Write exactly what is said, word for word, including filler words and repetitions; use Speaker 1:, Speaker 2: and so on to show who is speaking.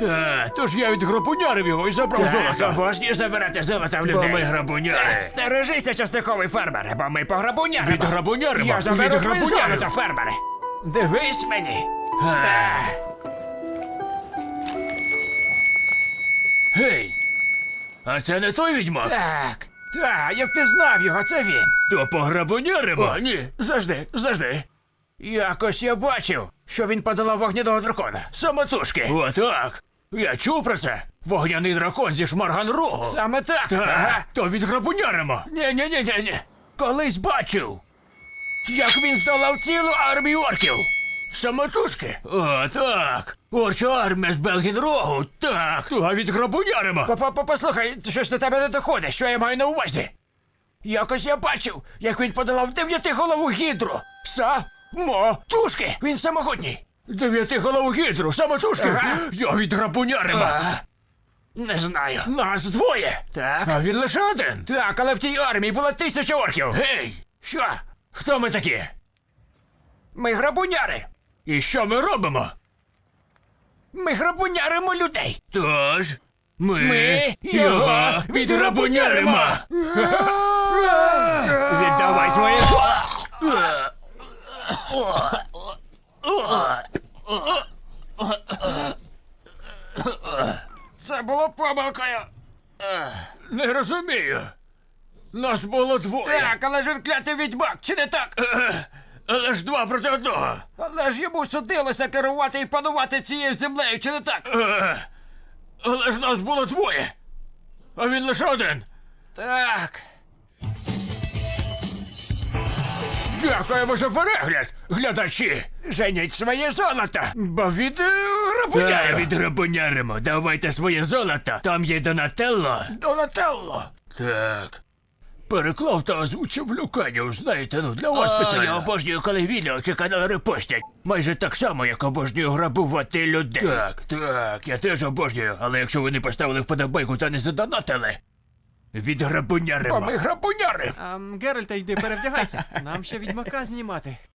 Speaker 1: Та, тож я відграбунярив його і забрав золото.
Speaker 2: Обожнюю забирати золото в
Speaker 1: Бо
Speaker 2: людей.
Speaker 1: ми грабуняри.
Speaker 2: Стережися, часниковий фермер, бо ми пограбуняримо.
Speaker 1: Відграбуняримо.
Speaker 2: Я заберу твоє
Speaker 1: Відграбуняримо.
Speaker 2: золото, фермере. Дивись мені. Та.
Speaker 1: Гей! А це не той відьмак?
Speaker 2: Так, так, я впізнав його, це він.
Speaker 1: То пограбуняримо?
Speaker 2: О, ні, завжди, завжди. Якось я бачив, що він подолав вогняного дракона. Самотужки.
Speaker 1: О, так. Я чув про це. Вогняний дракон зі Шмарган-Рогу.
Speaker 2: Саме так.
Speaker 1: Так,
Speaker 2: Ага.
Speaker 1: то відграбуняримо.
Speaker 2: Ні-ні-ні-ні.
Speaker 1: Колись бачив.
Speaker 2: Як він здолав цілу армію орків.
Speaker 1: Самотужки? О, так. Орча армія з Белгін-Рогу. Так, то відграбуняримо.
Speaker 2: Па-па-па-послухай, щось до тебе не доходить, що я маю на увазі. Якось я бачив, як він подолав дев'ятиголову гідру. Самотужки. Він самогутній.
Speaker 1: Дев'ятиголову гідру, самотужки.
Speaker 2: Ага.
Speaker 1: Я відграбуняримо.
Speaker 2: А, не знаю.
Speaker 1: Нас двоє.
Speaker 2: Так.
Speaker 1: А він лише один.
Speaker 2: Так, але в тій армії було тисяча орків.
Speaker 1: Гей!
Speaker 2: Що?
Speaker 1: Хто ми такі?
Speaker 2: Ми грабуняри.
Speaker 1: І що ми робимо?
Speaker 2: Ми грабуняримо людей.
Speaker 1: Тож, ми,
Speaker 2: Ми
Speaker 1: його відграбуняримо.
Speaker 2: Віддавай своє. Це було помилкою.
Speaker 1: Не розумію. Нас було двоє.
Speaker 2: Так, але ж він клятий відьмак, чи не так?
Speaker 1: Е, Але ж два проти одного.
Speaker 2: Але ж йому судилося керувати і панувати цією землею, чи не так?
Speaker 1: Е, Але ж нас було двоє. А він лише один.
Speaker 2: Так.
Speaker 1: Дякуємо за перегляд, глядачі.
Speaker 2: Женіть своє золото, бо від е,
Speaker 1: Та,
Speaker 2: грабунярів.
Speaker 1: відграбуняримо. Давайте своє золото. Там є Донателло.
Speaker 2: Донателло.
Speaker 1: Так. Переклав та озвучив Люканів, знаєте, ну для вас спеціально. Я обожнюю, коли відео чи канал репостять. Майже так само, як обожнюю грабувати людей. Так, так, я теж обожнюю, але якщо ви не поставили вподобайку та не задонатили, відграбуняримо.
Speaker 2: Бо ми грабуняри.
Speaker 3: Ам, Геральта, йди перевдягайся. Нам ще відьмака знімати.